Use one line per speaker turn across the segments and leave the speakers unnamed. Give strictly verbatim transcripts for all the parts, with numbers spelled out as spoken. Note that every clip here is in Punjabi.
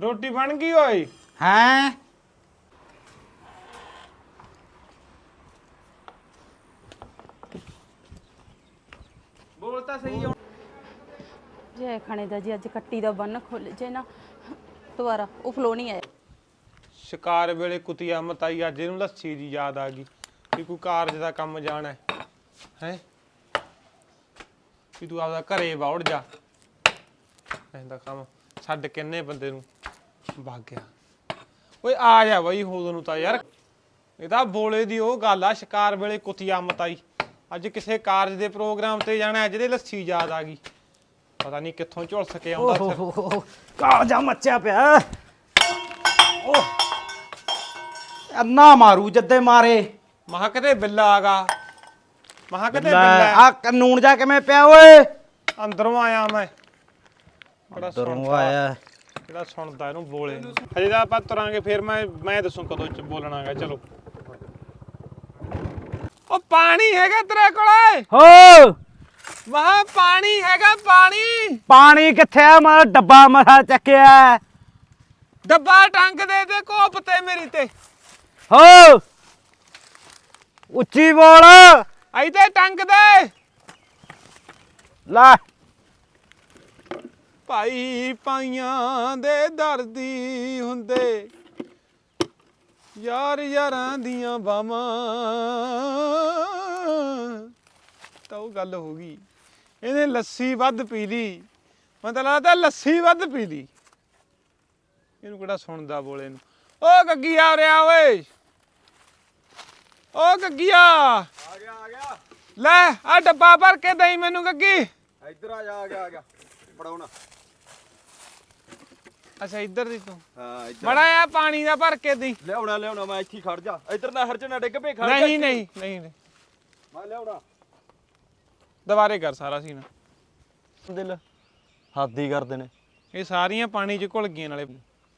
ਰੋਟੀ ਬਣ ਗਈ ਓਏ?
हैं
ਬੋਲ ਤਾਂ ਸਹੀ ਹੁਣ।
ਜੇ ਖਾਣੇ ਦਾ ਜੀ ਅੱਜ ਕੱਟੀ ਦਾ ਬੰਨ ਖੁੱਲ ਜੇ ਨਾ ਦੁਬਾਰਾ ਉਹ ਫਲੋ ਨਹੀਂ ਆਇਆ।
ਸ਼ਿਕਾਰ ਵੇਲੇ ਕੁਤੀਆ ਮਤਾਈ ਅੱਜ ਇਹਨੂੰ ਲੱਸੀ ਦੀ ਯਾਦ ਆ ਗਈ ਕਿ ਕੋਈ ਕਾਰਜ ਦਾ ਕੰਮ ਜਾਣਾ ਹੈ ਹੈ ਕਿ ਤੂੰ ਆਪਦਾ ਘਰੇ ਵੜ ਜਾ। ਇਹਦਾ ਕੰਮ ਛੱਡ ਕਿੰਨੇ ਬੰਦੇ ਨੂੰ ਵਗ ਗਿਆ। ਓਏ ਆ ਜਾ ਬਈ ਹੋਦੋਂ ਨੂੰ ਤਾਂ ਯਾਰ ਇਹਦਾ ਬੋਲੇ ਦੀ ਉਹ ਗੱਲ ਆ ਸ਼ਿਕਾਰ ਵੇਲੇ ਕੁਤੀਆ ਮਤਾਈ। ਅੱਜ ਕਿਸੇ ਕਾਰਜ ਦੇ ਪ੍ਰੋਗਰਾਮ ਤੇ ਜਾਣਾ ਜਿਹਦੇ ਲੱਸੀ ਯਾਦ ਆ ਗਈ। ਪਤਾ ਨਹੀਂ ਕਿੱਥੋਂ ਝੁਲਸ ਕੇ ਆਉਂਦਾ ਫਿਰ।
कालजा मचा पिया ओ अन्ना मारू जद्दे मारे
ਮਹਾ ਕਿਤੇ ਬਿੱਲਾ ਆਗਾ ਮਹਾ ਕਿਤੇ
ਲੈ
ਬਿੱਲਾ
ਆ ਕਾਨੂੰਨ ਜਾ ਕਿਵੇਂ ਪਿਆ ਓਏ
ਅੰਦਰੋਂ ਆਇਆ ਮੈਂ ਬੜਾ
ਦਰੋਂ
ਸੁਣਦਾ
ਆਇਆ
ਜਿਹੜਾ ਸੁਣਦਾ ਇਹਨੂੰ ਬੋਲੇ ਨੂੰ। ਹਜੇ ਤਾਂ ਆਪਾਂ ਤੁਰਾਂਗੇ ਫਿਰ ਮੈਂ ਮੈਂ ਦੱਸੂ ਕਦੋਂ ਚ ਬੋਲਣਾਗਾ। ਚਲੋ ਉਹ ਪਾਣੀ ਹੈਗਾ ਤੇਰੇ ਕੋਲੇ?
ਹੋ
ਮਹਾ ਪਾਣੀ ਹੈਗਾ ਪਾਣੀ?
ਪਾਣੀ ਕਿੱਥੇ ਆ ਮਾਰਾ ਡੱਬਾ ਮਰਾ ਚੱਕਿਆ
ਡੱਬਾ ਟੰਗ ਦੇ ਤੇ ਕੋਪ ਤੇ ਮੇਰੀ ਤੇ
ਹੋ ਉੱਚੀ ਬੋਲ
ਇੱਥੇ ਟੰਗ ਦੇ।
ਲੈ
ਭਾਈ ਪਾਈਆਂ ਦੇ ਦਰਦੀ ਹੁੰਦੇ ਯਾਰ ਯਾਰਾਂ ਦੀਆਂ ਬਾਵਾਂ ਤਾਂ ਉਹ ਗੱਲ ਹੋ ਗਈ। ਇਹਨੇ ਲੱਸੀ ਵੱਧ ਪੀ ਲਈ। ਮੈਨੂੰ ਤਾਂ ਲੱਗਦਾ ਲੱਸੀ ਵੱਧ ਪੀ ਲਈ। ਇਹਨੂੰ ਕਿਹੜਾ ਸੁਣਦਾ ਬੋਲੇ ਨੂੰ। ਓ ਗੱਗੀ ਆ ਰਿਹਾ ਓਏ ਓ ਗੱਗੀਆ
ਆ ਗਿਆ ਆ ਗਿਆ
ਲੈ ਆ ਡੱਬਾ ਭਰ ਕੇ ਦਈ ਮੈਨੂੰ ਗੱਗੀ।
ਇੱਧਰ ਆ ਜਾ ਆ ਗਿਆ ਆ ਗਿਆ ਫੜਾਉਣਾ।
ਅੱਛਾ ਇੱਧਰ ਦੀ ਤੂੰ
ਹਾਂ ਇੱਧਰ
ਬੜਾ ਆ ਪਾਣੀ ਦਾ ਭਰ ਕੇ ਦਈ।
ਲਿਆਉਣਾ ਲਿਆਉਣਾ ਮੈਂ ਇੱਥੇ ਹੀ ਖੜ ਜਾ। ਇੱਧਰ ਨਹਿਰ ਚ ਨਾ ਡਿੱਗ ਪਏ ਖੜ ਜਾ
ਨਹੀਂ
ਇੱਥੇ।
ਨਹੀਂ ਨਹੀਂ ਨਹੀਂ
ਮੈਂ ਲਿਆਉਣਾ।
ਦੁਬਾਰੇ ਕਰ ਸਾਰਾ ਸੀਨ।
ਦਿਲ ਹੱਦ ਹੀ ਕਰਦੇ ਨੇ।
ਇਹ ਸਾਰੀਆਂ ਪਾਣੀ 'ਚ ਘੁਲ ਗਈਆਂ ਨਾਲੇ।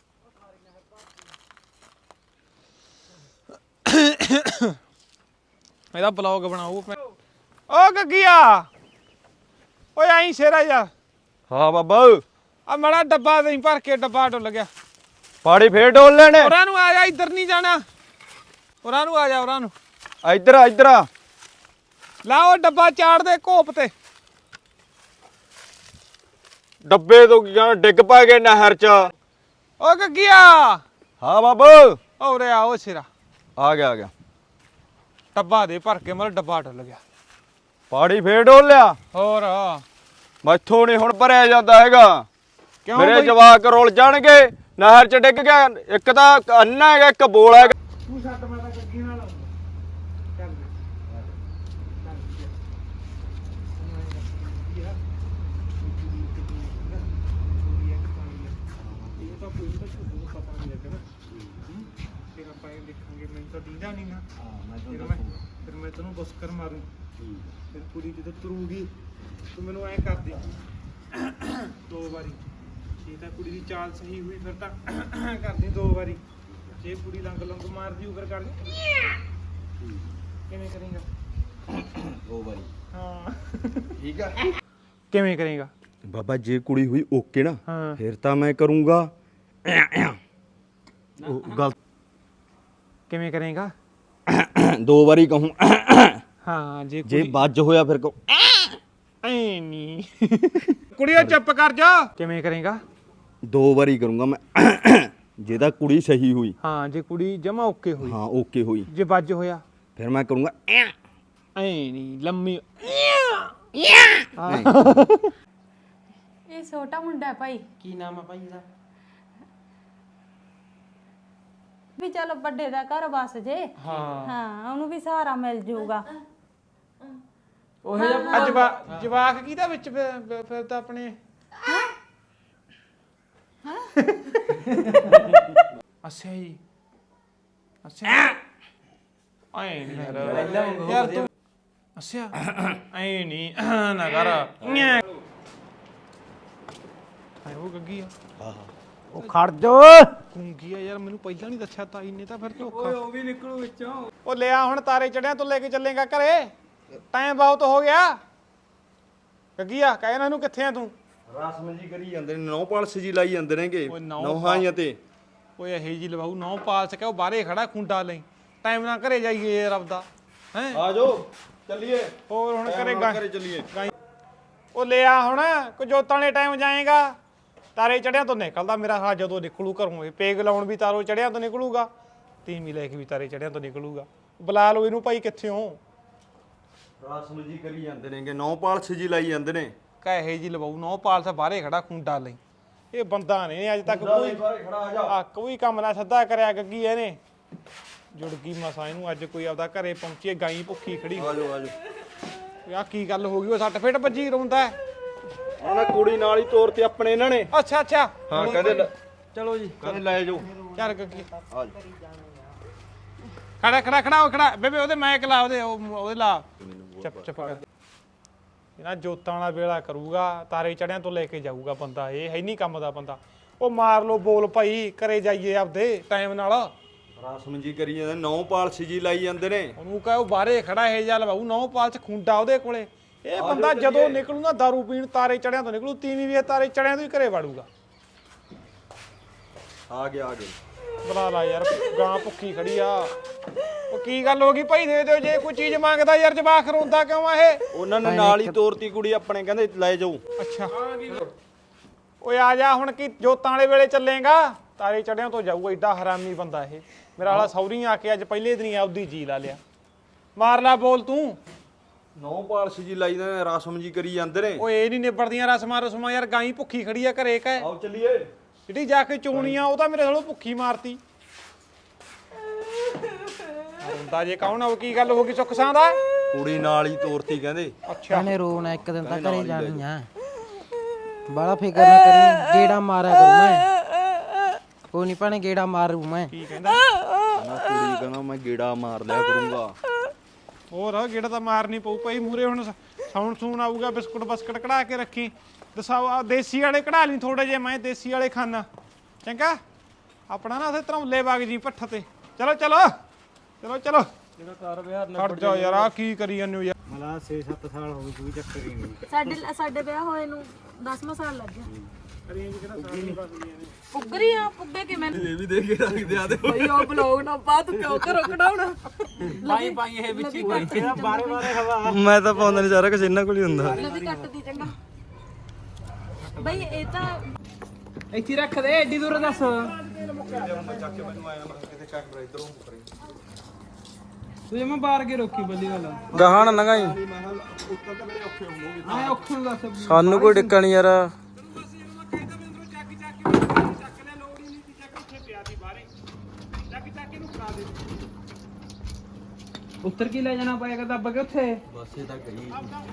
ਇਹਦਾ ਬਲੌਗ ਬਣਾਉ। ਓ ਗੱਗੀਆ ਓਏ ਆਈ ਸ਼ੇਰਾ ਜਾ
ਹਾਂ ਬਾਬਾ
ਆ ਮੜਾ ਡੱਬਾ ਨਹੀਂ ਭਰ ਕੇ ਡੱਬਾ ਡੁੱਲ ਗਿਆ।
ਪਾਣੀ ਫੇਰ ਡੋਲ ਲੈਣੇ।
ਉਹਨਾਂ ਨੂੰ ਆ ਜਾ ਇੱਧਰ ਨਹੀਂ ਜਾਣਾ। ਉਹਨਾਂ ਨੂੰ ਆ ਜਾ ਉਹਨਾਂ ਨੂੰ
ਇੱਧਰ ਆ ਇੱਧਰ ਆ।
ਲਾ ਉਹ ਡੱਬਾ ਚਾੜ ਦੇ ਕੋਪ ਤੇ।
ਡੱਬੇ ਤੋਂ ਕੀ ਕਹਿਣਾ ਡਿੱਗ ਪਾ ਗਏ ਨਹਿਰ ਚ।
ਓ ਗੱਗੀਆ
ਹਾਂ ਬਾਬਾ
ਓ ਰੇ ਆ ਉਹ ਸ਼ੇਰਾ
ਆ ਗਿਆ ਆ ਗਿਆ।
ਡੱਬਾ ਦੇ ਭਰ ਕੇ ਮਤਲਬ ਡੱਬਾ ਡੁੱਲ ਗਿਆ।
ਪਾਣੀ ਫੇਰ ਡੋਲ ਲਿਆ।
ਹੋਰ
ਮੈਥੋਂ ਨਹੀਂ ਹੁਣ ਭਰਿਆ ਜਾਂਦਾ ਹੈਗਾ।
ਕਿਉਂ
ਮੇਰੇ
ਬਈ?
ਜਵਾਕ ਰੁਲ ਜਾਣਗੇ ਨਹਿਰ ਚ ਡਿੱਗ ਗਿਆ। ਇੱਕ ਤਾਂ ਅੰਨਾ ਹੈਗਾ ਇੱਕ ਬੋਲ ਹੈਗਾ।
ਤੂੰ ਛੱਡ ਮੈਂ ਤਾਂ ਗੱਗੀ ਨਾਲ ਚੱਲ ਫਿਰ ਮੈਂ ਤੈਨੂੰ ਬੁਸਕਰ ਮਾਰੂ। ਫਿਰ ਕੁੜੀ ਜਦੋਂ ਤੁਰੂਗੀ ਤੂੰ ਮੈਨੂੰ ਐ ਕਰਦੀ ਦੋ ਵਾਰੀ। ਜੇ ਤਾਂ ਕੁੜੀ ਦੀ ਚਾਲ ਸਹੀ ਹੋਈ ਫਿਰ ਤਾਂ ਕਰਦੀ ਦੋ ਵਾਰੀ। ਜੇ ਕੁੜੀ ਲੰਗ ਲੰਗ ਮਾਰਦੀ ਉਹ ਫਿਰ ਕਰਦੀ ਕਿਵੇਂ ਕਰੇਗਾ?
ਦੋ ਵਾਰੀ
ਹਾਂ
ਠੀਕ ਆ।
ਕਿਵੇਂ ਕਰੇਗਾ?
ਬਾਬਾ ਜੇ ਕੁੜੀ ਹੋਈ ਓਕੇ ਨਾ
ਹਾਂ
ਫਿਰ ਤਾਂ ਮੈਂ ਕਰੂੰਗਾ ਉਹ ਗਲਤ।
ਕਿਵੇਂ ਕਰੇਗਾ?
ਦੋ ਵਾਰੀ ਕਹੂੰ
ਹਾਂ ਜੇ
ਜੇ
ਕੁੜੀ
ਵੱਜ ਹੋਇਆ ਫਿਰ ਕਹੂੰ
ਐ ਨਹੀਂ ਕੁੜੀਓ ਚੁੱਪ ਕਰ ਜਾ। ਕਿਵੇਂ ਕਰੇਗਾ?
ਦੋ ਵਾਰੀ ਕਰੂੰਗਾ ਮੈਂ ਜੇ ਤਾਂ ਕੁੜੀ ਸਹੀ ਹੋਈ।
ਹਾਂ ਜੇ ਕੁੜੀ ਜਮਾ ਓਕੇ ਹੋਈ।
ਹਾਂ ਓਕੇ ਹੋਈ
ਜੇ ਵੱਜ ਹੋਇਆ
ਫਿਰ ਮੈਂ ਕਰੂੰਗਾ
ਐ ਨਹੀਂ ਲੰਮੀ।
ਇਹ ਛੋਟਾ ਮੁੰਡਾ ਹੈ ਭਾਈ।
ਕੀ ਨਾਮ ਆ ਭਾਈ ਇਹਦਾ?
ਵੀ ਚਲੋ ਵੱਡੇ ਦਾ ਘਰ ਬਸ ਜੇ।
ਹਾਂ
ਹਾਂ ਉਹਨੂੰ ਵੀ ਸਹਾਰਾ ਮਿਲ ਜਾਊਗਾ।
ਉਹ ਜਵਾ ਜਵਾਕ ਕਿਹਦਾ ਵਿੱਚ ਫਿਰ ਫਿਰ ਤਾਂ ਆਪਣੇ ਅੱਛਾ ਜੀ ਅੱਛਾ ਆਏ ਨਹੀਂ ਯਾਰ ਯਾਰ ਤੂੰ ਅੱਛਾ ਐ ਨਹੀਂ ਨਾ ਕਰ। ਆਏ ਉਹ ਗੱਗੀ ਆ।
ਹਾਂ ਹਾਂ
ਉਹ ਖੜ ਜੋ
ਗੁੰਗੀ ਆ ਯਾਰ ਮੈਨੂੰ ਪਹਿਲਾਂ ਨਹੀਂ ਦੱਸਿਆ ਤਾਈ ਨੇ ਤਾਂ ਫਿਰ ਧੋਖਾ।
ਓਏ ਉਹ ਵੀ ਨਿਕਲੂ ਵਿੱਚੋਂ।
ਉਹ ਲਿਆ ਹੁਣ ਤਾਰੇ ਚੜਿਆ ਤੂੰ ਲੈ ਕੇ ਚੱਲੇਗਾ ਘਰੇ। ਟਾਈਮ ਬਹੁਤ ਹੋ ਗਿਆ। ਗੱਗੀਆ ਕਹਿ ਇਹਨਾਂ ਨੂੰ ਕਿੱਥੇ ਆ ਤੂੰ?
ਰਸਮ ਜੀ ਕਰੀ ਜਾਂਦੇ ਨੇ ਨੌ ਪਾਲਸ ਜੀ ਲਾਈ ਜਾਂਦੇ ਨੇਗੇ
ਓਏ ਨਹੁੰ
ਨੌਹਾਈਆਂ ਤੇ
ਓਏ ਇਹ ਜੀ ਲਵਾਉ ਨੌ ਪਾਲਸ ਕੇ ਉਹ ਬਾਹਰੇ ਖੜਾ ਖੁੰਡਾ ਲਈ ਟਾਈਮ ਨਾਲ ਘਰੇ ਜਾਈਏ ਯਾਰ ਆਪਦਾ ਹੈ
ਆ ਜਾਓ ਚੱਲੀਏ
ਹੋਰ ਹੁਣ
Time
ਘਰੇ
ਨਾਲ
ਗਾ
ਘਰੇ ਚੱਲੀਏ
ਗਾਈ ਉਹ ਲਿਆ ਹੁਣ ਕੋ ਜੋਤਾਂ ਵਾਲੇ ਟਾਈਮ ਜਾਏਗਾ ਤਾਰੇ ਚੜਿਆਂ ਤੋਂ ਨਿਕਲਦਾ ਮੇਰਾ ਹਾਂ ਜਦੋਂ ਨਿਕਲੂ ਘਰੋਂ ਇਹ ਪੇਗ ਲਾਉਣ ਵੀ ਤਾਰੋ ਚੜਿਆਂ ਤੋਂ ਨਿਕਲੂਗਾ ਤੀਵੀਂ ਲੈ ਕੇ ਵੀ ਤਾਰੇ ਚੜਿਆਂ ਤੋਂ ਨਿਕਲੂਗਾ ਬੁਲਾ ਲਓ ਇਹਨੂੰ ਭਾਈ ਕਿੱਥੇ ਹੋ
ਰਸਮ ਜੀ ਕਰੀ ਜਾਂਦੇ ਨੇਗੇ ਨੌ ਪਾਲਸ ਜੀ ਲਾਈ ਜਾਂਦੇ ਨੇ
ਕਹੇ ਜੀ ਲਵਾਉ ਨੌ ਪਾਲਸ ਬਾਹਰੇ ਖੜਾ ਖੁੰਡਾ ਲਈ ਇਹ ਬੰਦਾ ਨੇ ਅੱਜ ਤੱਕ ਕੋਈ
ਬਾਹਰ ਖੜਾ ਆ ਜਾ
ਆ ਕੋਈ ਕੰਮ ਨਾ ਸੱਦਾ ਕਰਿਆ ਗੱਗੀ ਇਹਨੇ ਜੁੜ ਗਈ ਮਸਾ ਇਹਨੂੰ ਅੱਜ ਕੋਈ ਆਪਦਾ ਘਰੇ ਪਹੁੰਚੀ ਗਾਈ ਭੁੱਖੀ ਖੜੀ
ਆ ਜਾਓ ਆ ਜਾਓ
ਆ ਕੀ ਗੱਲ ਹੋ ਗਈ ਉਹ ਸੱਟ ਫੇਟ ਵੱਜੀ ਰੋਂਦਾ
ਉਹਨਾਂ ਕੁੜੀ ਨਾਲ ਹੀ ਤੋਰ ਤੇ ਆਪਣੇ ਇਹਨਾਂ ਨੇ
ਅੱਛਾ ਅੱਛਾ
ਹਾਂ ਕਹਿੰਦੇ ਲੈ-
ਚਲੋ ਜੀ
ਕਹਿੰਦੇ ਲੈ ਜਾਓ
ਚੱਲ ਗੱਗੀ
ਆ ਜਾਓ
ਖੜਾ ਖੜਾ ਖੜਾ ਹੋ ਖੜਾ ਬੇਬੇ ਉਹਦੇ ਮੈਕ ਲਾ ਉਹਦੇ ਉਹ- ਉਹਦੇ ਲਾ ਚੱਪ ਚੱਪ ਕਰ ਇਹਨਾਂ ਜੋਤਾਂ ਵਾਲਾ ਵੇਲਾ ਕਰੂਗਾ ਤਾਰੇ ਚੜਿਆਂ ਤੋਂ ਲੈ ਕੇ ਜਾਊਗਾ ਬੰਦਾ ਇਹ ਹੈ ਨਹੀਂ ਕੰਮ ਦਾ ਬੰਦਾ ਉਹ ਮਾਰ ਲੋ ਬੋਲ ਭਾਈ ਘਰੇ ਜਾਈਏ ਆਪਦੇ ਟਾਈਮ ਨਾਲ
ਰਸਮ ਜੀ ਕਰੀ ਜਾਂਦੇ ਨੌ ਪਾਲਸ ਜੀ ਲਾਈ ਜਾਂਦੇ ਨੇ
ਉਹਨੂੰ ਕਹੇ ਉਹ ਬਾਹਰੇ ਖੜਾ ਇਹ ਜਾ ਲਵਾਉ ਨੌ ਪਾਲ ਚ ਖੁੰਡਾ ਉਹਦੇ ਕੋਲੇ ਇਹ ਬੰਦਾ ਜਦੋਂ ਨਿਕਲੂ ਨਾ ਦਾਰੂ ਪੀਣ ਤਾਰੇ ਚੜਿਆਂ ਤੋਂ ਨਿਕਲੂ ਤੀਵੀਂ ਵੀ ਇਹ ਤਾਰੇ ਚੜਿਆਂ ਤੋਂ ਹੀ ਘਰੇ ਵੜੂਗਾ
ਆ ਗਿਆ ਆ ਗਿਆ
ਬੁਲਾ ਲਾ ਯਾਰ ਗਾਂ ਭੁੱਖੀ ਖੜੀ ਆ ਉਹ ਕੀ ਗੱਲ ਹੋ ਗਈ ਭਾਈ ਦੇ ਦਿਓ ਜੇ ਕੋਈ ਚੀਜ਼ ਮੰਗਦਾ ਯਾਰ ਜਵਾਕ ਰੋਂਦਾ ਕਿਉਂ ਆ ਇਹ
ਉਹਨਾਂ ਨੇ ਨਾਲ ਹੀ ਤੋਰਤੀ ਕੁੜੀ ਆਪਣੇ ਕਹਿੰਦੇ ਲੈ ਜਾਓ
ਅੱਛਾ ਓਏ ਆ ਜਾ ਹੁਣ ਕੀ ਜੋਤਾਂ ਵਾਲੇ ਵੇਲੇ ਚੱਲੇਗਾ ਤਾਰੇ ਚੜਿਆਂ ਤੋਂ ਜਾਊਗਾ ਏਡਾ ਹਰਾਮੀ ਬੰਦਾ ਇਹ ਮੇਰਾ ਵਾਲਾ ਸੌਰੀ ਆ ਕੇ ਅੱਜ ਪਹਿਲੇ ਦਿਨ ਹੀ ਆਪਦੀ ਜੀ ਲਾ ਲਿਆ ਮਾਰ ਲਾ ਬੋਲ ਤੂੰ
ਨੌ ਪਾਲਸ ਜੀ ਲਾਈ ਜਾਂਦੇ ਨੇ ਰਸਮ ਜੀ ਕਰੀ ਜਾਂਦੇ ਨੇ
ਓਏ ਇਹ ਨਹੀਂ ਨਿਬੜਦੀਆਂ ਰਸਮਾਂ ਰਸਮਾਂ ਯਾਰ ਗਾਈ ਭੁੱਖੀ ਖੜੀ ਆ ਘਰੇ ਕਹੇ
ਆਓ ਚੱਲੀਏ
ਜਿਹੜੀ ਜਾ ਕੇ ਚੋਣੀ ਆ ਉਹ ਤਾਂ ਮੇਰੇ ਥੋੜੋ ਭੁੱਖੀ ਮਾਰਤੀ ਹੁੰਦਾ ਜੇ ਕੌਣ ਆ ਉਹ ਕੀ ਗੱਲ ਹੋ ਗਈ ਸੁੱਖਸਾਂ ਦਾ
ਕੁੜੀ ਨਾਲ ਹੀ ਤੋਰਤੀ ਕਹਿੰਦੇ
ਅੱਛਾ
ਇਹਨੇ ਰੋਣਾ ਇੱਕ ਦਿਨ ਤਾਂ ਘਰੇ ਜਾਣੀ ਆ ਬਾਲਾ ਫਿਕਰ ਨਾ ਕਰੀ ਗੇੜਾ ਮਾਰਿਆ ਕਰੂ ਮੈਂ ਕੋਈ ਨਹੀਂ ਭਾਣੇ ਗੇੜਾ ਮਾਰੂ ਮੈਂ
ਕੀ ਕਹਿੰਦਾ
ਨਾ ਕੁੜੀ ਕਹਿੰਦਾ ਮੈਂ ਗੇੜਾ ਮਾਰ ਲਿਆ ਕਰੂੰਗਾ
ਹੋਰ ਗੇੜਾ ਤਾਂ ਮਾਰਨੀ ਪਊ ਭਾਈ ਮੂਰੇ ਹੁਣ ਸਾਉਣ ਸੂਣ ਆਊਗਾ ਬਿਸਕੁਟ ਬਸਕਟ ਕਢਾ ਕੇ ਰੱਖੀ ਦਸਾਓ ਆ ਦੇਸੀ ਵਾਲੇ ਕਢਾ ਲਈ ਥੋੜੇ ਜੇ ਮੈਂ ਦੇਸੀ ਵਾਲੇ ਖਾਣਾ ਚੰਗਾ ਆਪਣਾ ਨਾ ਉਥੇ ਧਰੌਲੇ ਬਾਗ ਜੀ ਪੱਠ ਤੇ ਚਲੋ ਚਲੋ ਚਲੋ ਚਲੋ
ਜਿਹੜਾ ਕਾਰ ਵਿਹਾਰ
ਖੜ ਜਾ ਯਾਰ ਆ ਕੀ ਕਰੀ ਜਾਂਦੇ ਹੋ ਯਾਰ
ਮਲਾ ਛੇ ਸੱਤ ਸਾਲ ਹੋ ਗਏ ਕੋਈ ਚੱਕਰ ਹੀ ਨਹੀਂ
ਸਾਡੇ ਸਾਡੇ ਵਿਆਹ ਹੋਏ ਨੂੰ ਦਸਵਾਂ ਸਾਲ ਲੱਗ ਗਿਆ
ਰੇਂਜ ਕਿਹੜਾ ਸਾਰੀ ਬਸਦੀਆਂ ਨੇ
ਪੁੱਗਰੀ ਆ ਪੁੱਗੇ ਕਿਵੇਂ
ਇਹ ਵੀ ਦੇ ਕੇ ਰੱਖਦੇ ਆ ਤੇ
ਕੋਈ ਉਹ ਬਲੌਗ ਨਾ ਪਾ ਤੂੰ ਕਿਉਂ ਕਰੋ ਕਢਾਉਣਾ
ਪਾਈ ਪਾਈ ਇਹ ਵਿੱਚ ਹੀ ਕੋਈ ਬਾਰੇ ਬਾਰੇ ਹਵਾ
ਮੈਂ ਤਾਂ ਪਾਉਂਦਾ ਨਹੀਂ ਸਾਰਾ ਕੁਝ ਇਹਨਾਂ ਕੋਲ ਹੀ ਹੁੰਦਾ
ਨਦੀ ਕੱਟਦੀ ਚੰਗਾ ਬਈ ਇਹ ਤਾਂ
ਇੱਥੇ ਰੱਖ ਦੇ ਏਡੀ ਦੂਰ ਦੱਸ ਤੂੰ ਮੈਂ ਬਾਹਰ ਕੇ ਰੋਕੀ ਬੱਲੀ ਵਾਲਾ
ਗਾਹਾਂ ਨਾ ਗਾਈ
ਆਏ ਔਖੇ ਨੂੰ ਦੱਸ
ਸਾਨੂੰ ਕੋਈ ਡਿੱਕਾ ਨਹੀਂ ਯਾਰ
ਉੱਤਰ ਕੀ ਲੈ ਜਾਣਾ ਪਏਗਾ ਦੱਬ ਕੇ ਉੱਥੇ
ਬਸੇ ਤਾਂ ਗਈ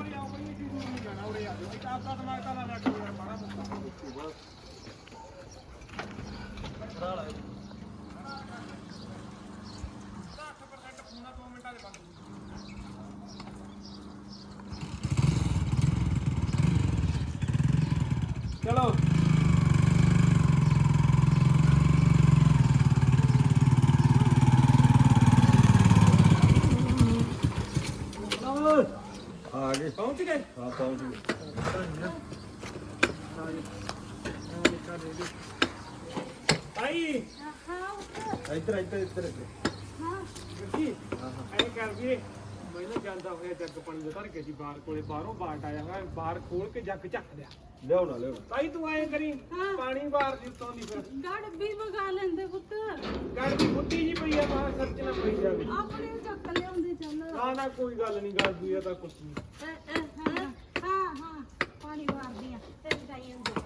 ਚਲੋ
ਆ ਗਏ
ਪਹੁੰਚ ਗਏ
ਹਾਂ ਪਹੁੰਚ ਗਏ
ਭਾਈ
ਇੱਧਰ ਇੱਧਰ ਇੱਧਰ
ਜੀ ਐਂ ਕਰ ਵੀਰੇ ਮੈਂ ਨਾ ਜਾਂਦਾ ਹੋਇਆ ਜੱਗ ਪਾਣੀ ਦਾ ਧਰ ਕੇ ਸੀ ਬਾਹਰ ਕੋਲੇ ਬਾਹਰੋਂ ਬਾਟ ਆਇਆ ਹੋਇਆ ਬਾਹਰ ਖੋਲ ਕੇ ਜੱਗ ਚੱਕ ਲਿਆ
ਲਿਆਓ ਨਾ ਲਿਆਓ
ਭਾਈ ਤੂੰ ਐਂ ਕਰੀ ਪਾਣੀ ਬਾਹਰ ਦੀ ਉੱਤੋਂ ਦੀ ਫਿਰ
ਗੜ ਵੀ ਮਗਾ ਲੈਂਦੇ ਪੁੱਤ
ਗੜ ਦੀ ਫੁੱਟੀ ਜੀ ਪਈ ਆ ਬਾਹਰ ਸੱਚ ਨਾ ਪਈ ਜਾਵੇ
ਆਪਣੇ ਚੱਕ ਲਿਆਉਂਦੇ ਚੱਲ
ਨਾ ਨਾ ਕੋਈ ਗੱਲ ਨਹੀਂ ਗੱਲ ਦੂਈ ਤਾਂ ਕੁਛ ਨਹੀਂ
ਹਾਂ ਹਾਂ ਪਾਣੀ ਮਾਰਦੀਆਂ ਤੇ ਜਾਈ ਹੁੰਦੇ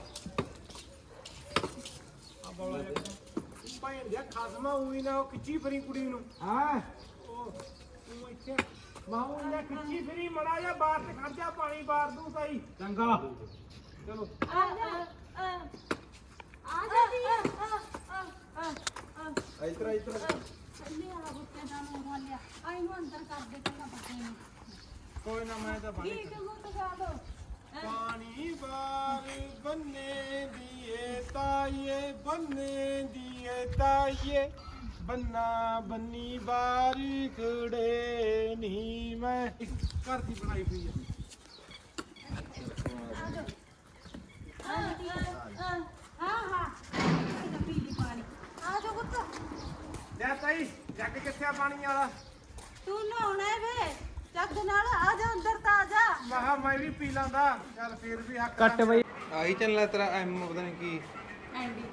ਆ ਬੋਲਾ ਭਾਈ ਦੇ ਖਾਸਮਾ ਹੋਈ ਨਾ ਉਹ ਕਿੱਚੀ ਫਰੀ ਕੁੜੀ ਨੂੰ
ਹਾਂ
ਉਹ ਤੂੰ ਇੱਥੇ ਮਾਹੂ ਨੇ ਕਿੱਚੀ ਫਰੀ ਮੜਾ ਜਾ ਬਾਹਰ ਤੇ ਖੜ ਜਾ ਪਾਣੀ ਬਾਹਰ ਦੂੰ ਤਾਈ
ਚੰਗਾ
ਚਲੋ
ਆ ਆ ਆ ਜਾ ਦੀ ਆ ਆ ਆ ਆ
ਇੱਧਰ ਇੱਧਰ
ਚੱਲੇ ਆ ਬੁੱਤੇ ਦਾ ਨੂੰ ਹੋ ਲਿਆ ਆਈ ਨੂੰ ਅੰਦਰ ਕਰ ਦੇ ਚੰਗਾ ਬੱਚੇ ਨੂੰ
ਕੋਈ ਨਾ ਮੈਂ ਤਾਂ ਪਾਣੀ
ਠੀਕ ਹੋ ਤੋ ਗਾ ਦੋ
ਪਾਣੀ ਬਾਰ ਬੰਨੇ ਦੀਏ ਤਾਈਏ ਬੰਨੇ ਦੀਏ ਤਾਈਏ ਬੰਨਾ ਬੰਨੀ ਬਾਰ ਖੜੇ ਨਹੀਂ ਮੈਂ ਘਰ ਦੀ ਬਣਾਈ ਹੋਈ ਹੈ ਲੈ ਤਾਈ ਜੱਗ ਕਿੱਥੇ ਆ ਪਾਣੀ ਵਾਲਾ
ਤੂੰ ਨਹਾਉਣਾ ਹੈ ਵੇ ਜੱਗ ਨਾਲ ਆ ਜਾ ਅੰਦਰ ਤਾਂ ਆ ਜਾ
ਮਹਾ ਮੈਂ ਵੀ ਪੀ ਲਾਂਦਾ ਚੱਲ ਫੇਰ ਵੀ ਹੱਕ
ਕੱਟ ਬਈ
ਆਹੀ ਚੱਲਣਾ ਤੇਰਾ ਐਮ ਪਤਾ ਨਹੀਂ ਕੀ
ਐਂਡੀ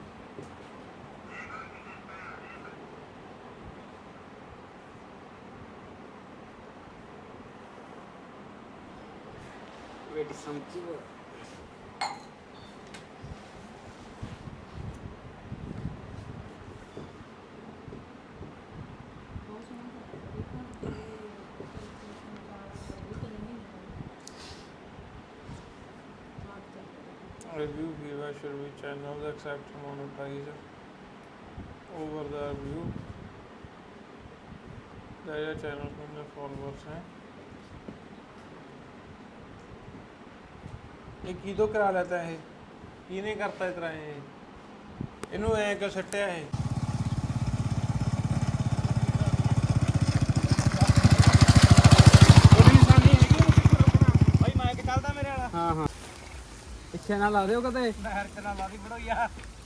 ਵੇਟ ਸਮਝੀ
review viewer should be channels accept monetize over the review there channel from the followers हैं ये की तो करा लेता है की नहीं करता इस तरह ये इनू ऐ क्यों सट्टिया है भाई माइक चलदा मेरे वाला
ਹਾਂ ਹਾਂ ਪਿੱਛੇ ਨਾ ਲਾ ਦਿਓ ਕਦੇ
ਨਹਿਰ ਚ ਨਾ ਲਾਦੀ ਬੜੋ ਯਾਰ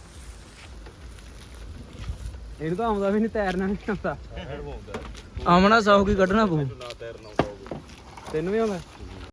ਇਹਨੂੰ ਤਾਂ ਆਉਂਦਾ ਵੀ ਨਹੀਂ ਤੈਰਨਾ ਨਹੀਂ ਆਉਂਦਾ
ਆਮਣਾ ਸੌ ਕੀ ਕੱਢਣਾ ਪਊ
ਤੈਨੂੰ ਵੀ ਆਉਂਦਾ